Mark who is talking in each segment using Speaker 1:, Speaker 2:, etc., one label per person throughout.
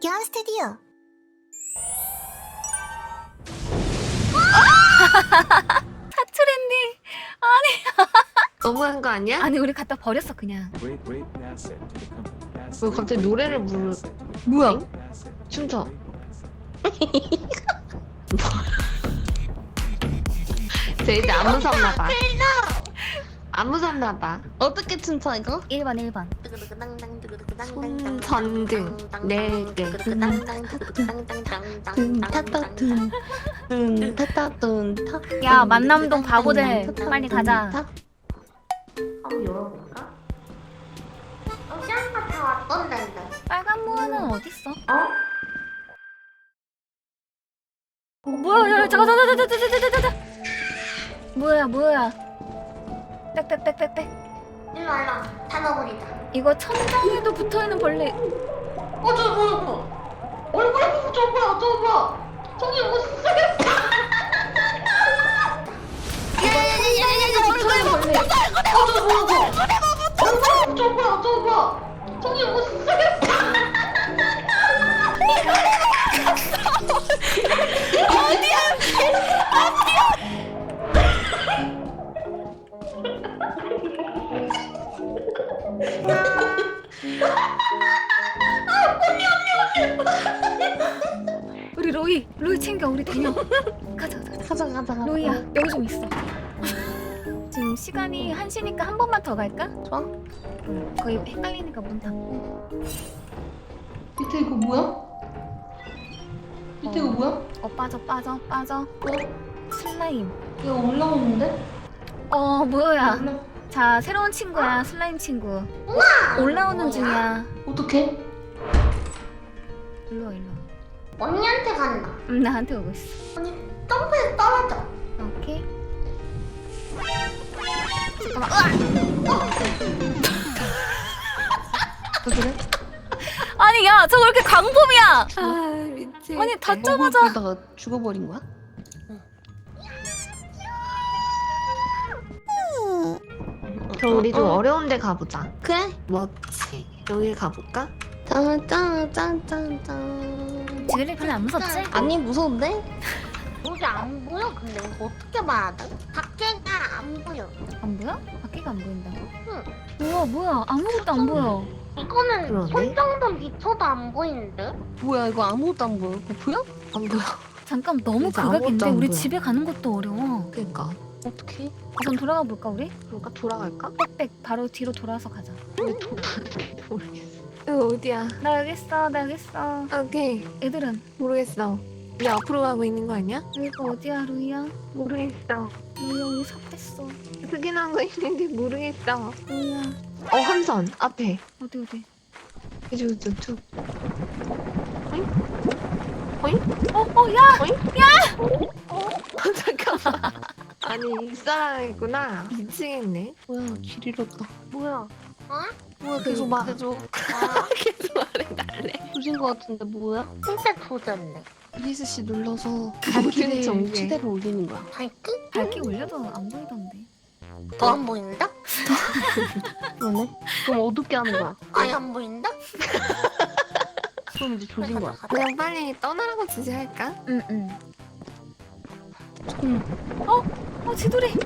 Speaker 1: 박현 스튜디오.
Speaker 2: 사투렌디. 아니.
Speaker 3: 너무한 거 아니야?
Speaker 2: 아니 우리 갖다 버렸어 그냥.
Speaker 3: 왜 갑자기 노래를 부르? 뭐야? 춤춰. 쟤 이제 안 무섭나봐. 안 무섭나봐.
Speaker 4: 어떻게 춤춰 이거?
Speaker 2: 1번 1번.
Speaker 3: 손전등 4개.
Speaker 4: 둔타따둔
Speaker 2: 야 만남동 바보들 빨리 가자.
Speaker 3: 한번 열어볼까?
Speaker 1: 시안가 다 왔던데.
Speaker 2: 빨간 무화는 어딨어?
Speaker 3: 어?
Speaker 2: 뭐야? 야 잠깐. 뭐야? 빽.
Speaker 1: 일로 와. 다 넣어버리자.
Speaker 2: 이거 천장에도 붙어있는 벌레.
Speaker 4: 저 뭐야 얼굴에 저 뭐야 저기 무슨
Speaker 2: 천장에도 붙어있는 벌레.
Speaker 4: 저 뭐야 저기 무슨
Speaker 2: 우리 로이 챙겨. 우리 대녀. 가자.
Speaker 4: 가자
Speaker 2: 로이야 여기 좀 있어. 지금 시간이 1시니까 한 번만 더 갈까?
Speaker 4: 좋아.
Speaker 2: 거의 헷갈리니까 문 닫고.
Speaker 4: 밑에 이거 뭐야? 밑에 이거 뭐야?
Speaker 2: 빠져. 슬라임.
Speaker 4: 이거 올라오는데?
Speaker 2: 뭐야.
Speaker 4: 올라
Speaker 2: 자 새로운 친구야. 슬라임 친구. 올라오는 중이야.
Speaker 4: 어떡해?
Speaker 2: 일로와.
Speaker 1: 언니한테 간다.
Speaker 2: 나한테 오고 있어.
Speaker 1: 언니 점프해서 떨어져.
Speaker 2: 오케이.
Speaker 4: 그래?
Speaker 2: 아니 야 저거 왜 이렇게 광범이야.
Speaker 3: 아 미치.
Speaker 2: 아니 닫자마자.
Speaker 4: 그러다가 죽어버린 거야?
Speaker 3: 그럼 우리 좀 어려운 데 가보자.
Speaker 4: 그래?
Speaker 3: 뭐지? 여기 가볼까?
Speaker 4: 짠짠짠짠짠.
Speaker 2: 지글리 별로 안 무섭지?
Speaker 4: 아니 무서운데?
Speaker 1: 여기 안 보여. 근데 이거 어떻게 봐야 돼? 밖에가 안 보여.
Speaker 2: 안 보여? 밖에가 안 보인다고?
Speaker 1: 응.
Speaker 2: 뭐야 아무것도 안 보여.
Speaker 1: 이거는
Speaker 3: 그러네.
Speaker 1: 손 정도 비춰도 안 보이는데?
Speaker 4: 뭐야 이거 아무것도 안 보여. 이거 보여?
Speaker 3: 안 보여.
Speaker 2: 잠깐 너무
Speaker 3: 진짜
Speaker 2: 극악인데
Speaker 3: 아무것도 안
Speaker 2: 우리
Speaker 3: 보여.
Speaker 2: 집에 가는 것도 어려워.
Speaker 3: 그니까.
Speaker 4: 어떡해?
Speaker 2: 우선 돌아가 볼까 우리?
Speaker 3: 그러니까 돌아갈까?
Speaker 2: 빽빽 바로 뒤로 돌아서 가자.
Speaker 3: 근데 모르겠어. 이거 어디야?
Speaker 2: 나 여기 있어.
Speaker 3: 오케이.
Speaker 2: 애들은
Speaker 3: 모르겠어. 우리 앞으로 가고 있는 거 아니야?
Speaker 2: 여기가 어디야 루이야?
Speaker 3: 모르겠어.
Speaker 2: 루이야 여기 삽됐어.
Speaker 3: 특이한 거 있는데 모르겠어.
Speaker 2: 루이야
Speaker 3: 함선 앞에.
Speaker 2: 어디?
Speaker 3: 쭉.
Speaker 2: 야!
Speaker 3: 잠깐만. 아니 이 사람이구나. 미치겠네.
Speaker 4: 뭐야 길 잃었다.
Speaker 1: 뭐야? 어?
Speaker 4: 뭐야
Speaker 3: 계속 말.
Speaker 4: 계속
Speaker 1: 아,
Speaker 3: 계속 말해.
Speaker 4: 조진 거 같은데 뭐야?
Speaker 1: 진짜 조졌네.
Speaker 4: ESC 눌러서
Speaker 3: 모든
Speaker 4: 길에
Speaker 3: 전개.
Speaker 4: 치대를 올리는 거야.
Speaker 1: 밝기?
Speaker 2: 밝게 올려도 안 보이던데.
Speaker 1: 더 안 보인다?
Speaker 4: 그러네? 그럼 어둡게 하는 거야.
Speaker 1: 아예 안 보인다?
Speaker 4: 그럼 이제 조진 거야.
Speaker 3: 그냥 빨리 떠나라고 지시할까?
Speaker 2: 응. 지돌이.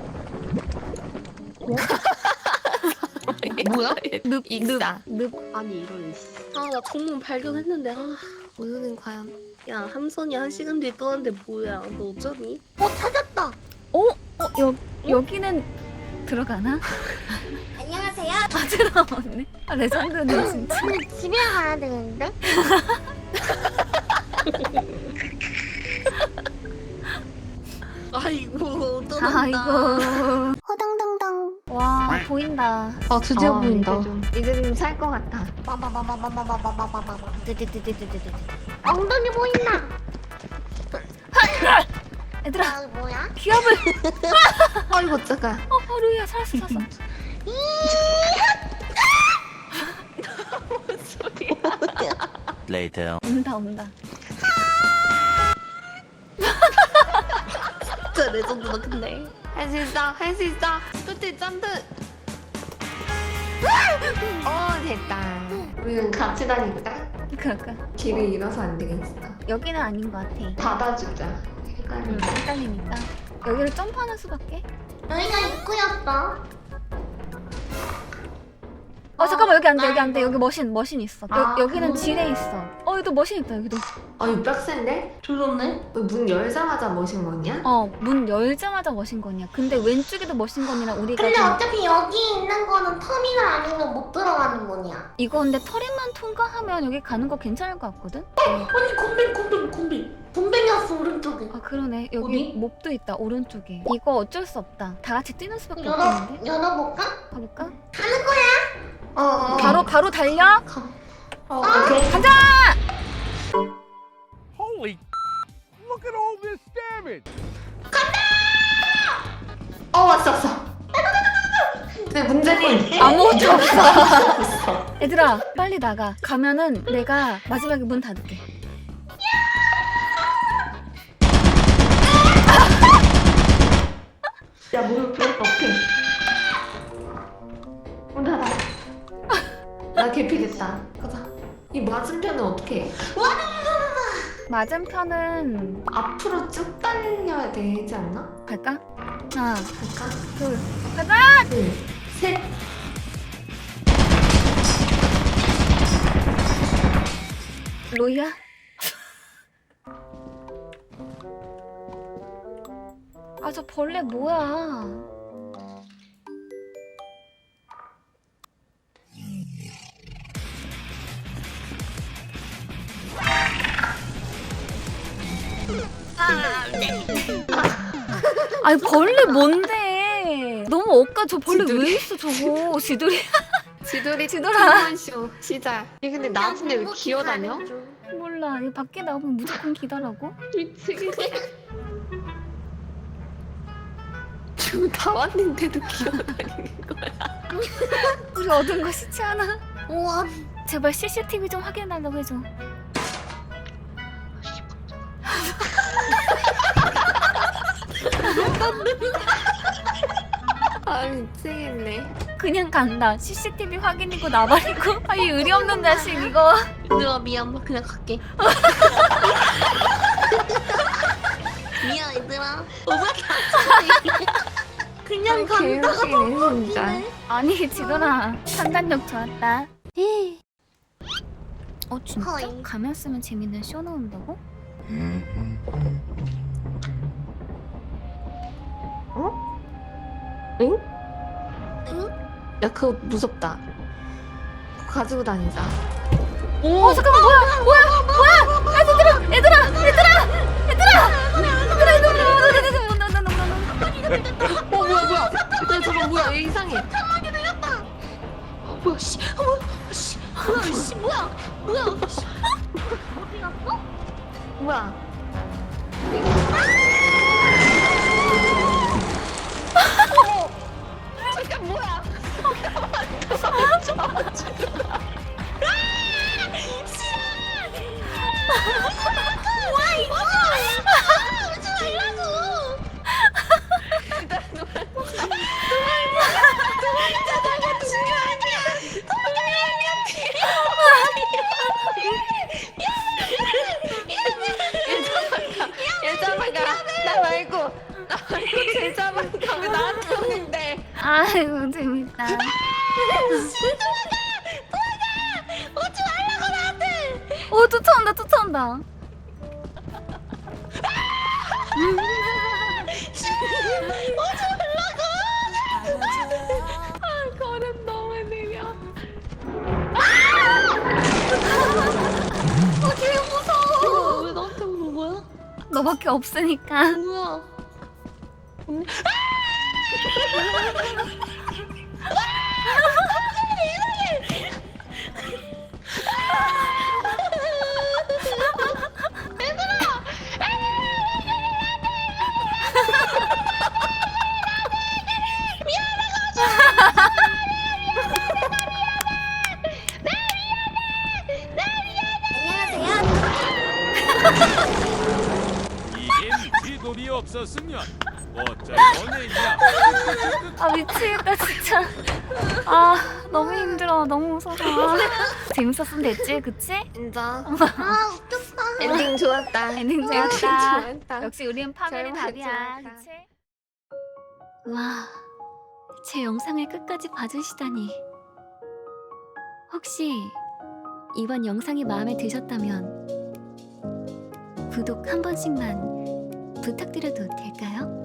Speaker 4: 뭐야?
Speaker 3: 익사.
Speaker 4: 아니 이런. 아나 정문 발견했는데
Speaker 3: 오늘은 과연
Speaker 4: 야 함선이 1시간 뒤에 떠났는데 뭐야? 너 어쩌니?
Speaker 1: 찾았다.
Speaker 2: 여기는 들어가나?
Speaker 1: 안녕하세요.
Speaker 2: 들어오네. 레전드네 진짜.
Speaker 1: 근데 집에 가야 되는데?
Speaker 4: 아이고
Speaker 2: 아이고.
Speaker 1: 호당당당.
Speaker 2: 와 보인다.
Speaker 4: 아 드디어 보인다.
Speaker 3: 이제 좀 살 것 같아.
Speaker 1: 빠바바바바바바바바바바바. 엉덩이 보인다.
Speaker 2: 얘들아
Speaker 1: 아 뭐야?
Speaker 2: 기압을.
Speaker 3: 아이고 잠깐.
Speaker 2: 루이야 살았어.
Speaker 5: Later.
Speaker 2: 온다.
Speaker 4: 진짜 레전드다 근데.
Speaker 3: 할 수 있어. 끝에 점프. 됐다. 우리는 같이 다니자.
Speaker 2: 그러니까
Speaker 3: 길을 잃어서 안 되겠어.
Speaker 2: 여기는 아닌 것 같아.
Speaker 3: 받아주자.
Speaker 2: 헷갈리니까 여기를 점프하는 수밖에.
Speaker 1: 여기가 입구였어.
Speaker 2: 잠깐만 여기 안 돼, 여기 안 돼. 여기 머신 있어.
Speaker 3: 아,
Speaker 2: 여기는 지뢰 있어. 여기도 머신 있다 여기도.
Speaker 3: 이거 빡센데?
Speaker 1: 조졌네.
Speaker 3: 문 열자마자 머신건이야?
Speaker 2: 문 열자마자 머신건이야. 근데 왼쪽에도 머신건이랑 우리가
Speaker 1: 근데
Speaker 2: 좀
Speaker 1: 어차피 여기 있는 거는 터미널 아니면 못 들어가는 문이야.
Speaker 2: 이거 근데 터렛만 통과하면 여기 가는 거 괜찮을 것 같거든?
Speaker 1: 아니 곰뱅이었어 오른쪽에.
Speaker 2: 아 그러네. 여기
Speaker 1: 어디?
Speaker 2: 몹도 있다 오른쪽에. 이거 어쩔 수 없다. 다 같이 뛰는 수밖에 없겠는데?
Speaker 1: 열어볼까?
Speaker 2: 가볼까?
Speaker 1: 가는 거야?
Speaker 2: 바로 달려?
Speaker 3: 오케이.
Speaker 2: 가자!
Speaker 5: Holy, look at all this damage.
Speaker 3: 왔어. 근데 문제는
Speaker 2: 아무것도 없어. 얘들아 빨리 나가. 가면은 내가 마지막에 문 닫을게.
Speaker 3: 야, 물을 오케이. 문 닫아. 나 개피겠다. 가자. 이 맞은편은 어떻게 해?
Speaker 2: 맞은편은
Speaker 3: 앞으로 쭉 달려야 되지 않나?
Speaker 2: 갈까? 하나
Speaker 3: 갈까?
Speaker 2: 둘 가자!
Speaker 3: 둘, 셋.
Speaker 2: 로이야? 저 벌레 뭐야? 아니 벌레 뭔데? 너무 억까. 저 벌레
Speaker 3: 지돌이.
Speaker 2: 왜 있어 저거? 지돌이.
Speaker 3: 지돌이
Speaker 2: 지돌아.
Speaker 3: 쇼 시작. 얘 근데 나중에 왜 기어다녀?
Speaker 2: 몰라. 이 밖에 나오면 무조건 기다라고?
Speaker 3: 미치겠네. 지금 다 왔는데도 기어다니는 거야.
Speaker 2: 우리 얻은 거 시체 하나.
Speaker 1: 우와.
Speaker 2: 제발 CCTV 좀 확인해달라고 해줘.
Speaker 3: 미치겠네.
Speaker 2: 그냥 간다. CCTV 확인이고 나발이고. 이 의리 없는 자식 이거.
Speaker 1: 얘들아 미안 그냥 갈게. 미안 얘들아. 그냥 간다가
Speaker 3: 개웃기네 진짜.
Speaker 2: 아니 지도라 판단력 좋았다. 진짜?
Speaker 1: 허이.
Speaker 2: 가면 쓰면 재밌는 쇼 나온다고?
Speaker 3: 응? 야 그거 무섭다. 그거 가지고 다니자.
Speaker 2: 잠깐만 뭐야 얘들아
Speaker 3: 뭐야. 야 저거 뭐야? 얘 이상해.
Speaker 1: 뭐야 씨. 뭐야. 어디 갔어?
Speaker 3: 뭐야? 잠깐 뭐야?
Speaker 1: 와 이거. 오지 말라고.
Speaker 3: 얘 잡아가. 나 말고 쟤 잡아가. 왜 나한테 오는데?
Speaker 2: 아이고 재밌다.
Speaker 1: 오지 말라고 나한테.
Speaker 2: 쫓아온다.
Speaker 3: 걸음 너무 느려.
Speaker 1: 개 무서워. 왜 나한테 오는 거야?
Speaker 2: 너밖에 없으니까.
Speaker 1: 뭐야?
Speaker 5: 이게 미피돌이 없었으면 어쩔 뻔했냐.
Speaker 2: 아 미치겠다 진짜. 아 너무 힘들어. 너무 무서워. 재밌었으면 됐지, 그치?
Speaker 3: 인정.
Speaker 1: 아 웃겼다.
Speaker 3: 엔딩 좋았다.
Speaker 2: 엔딩
Speaker 3: 엔딩
Speaker 2: 좋았다.
Speaker 3: 좋았다.
Speaker 2: 역시 우리는 파멸이
Speaker 3: 결말
Speaker 2: 답이야,
Speaker 3: 좋았다.
Speaker 2: 그치? 와, 제 영상을 끝까지 봐주시다니. 혹시 이번 영상이 마음에 드셨다면 구독 한 번씩만 부탁드려도 될까요?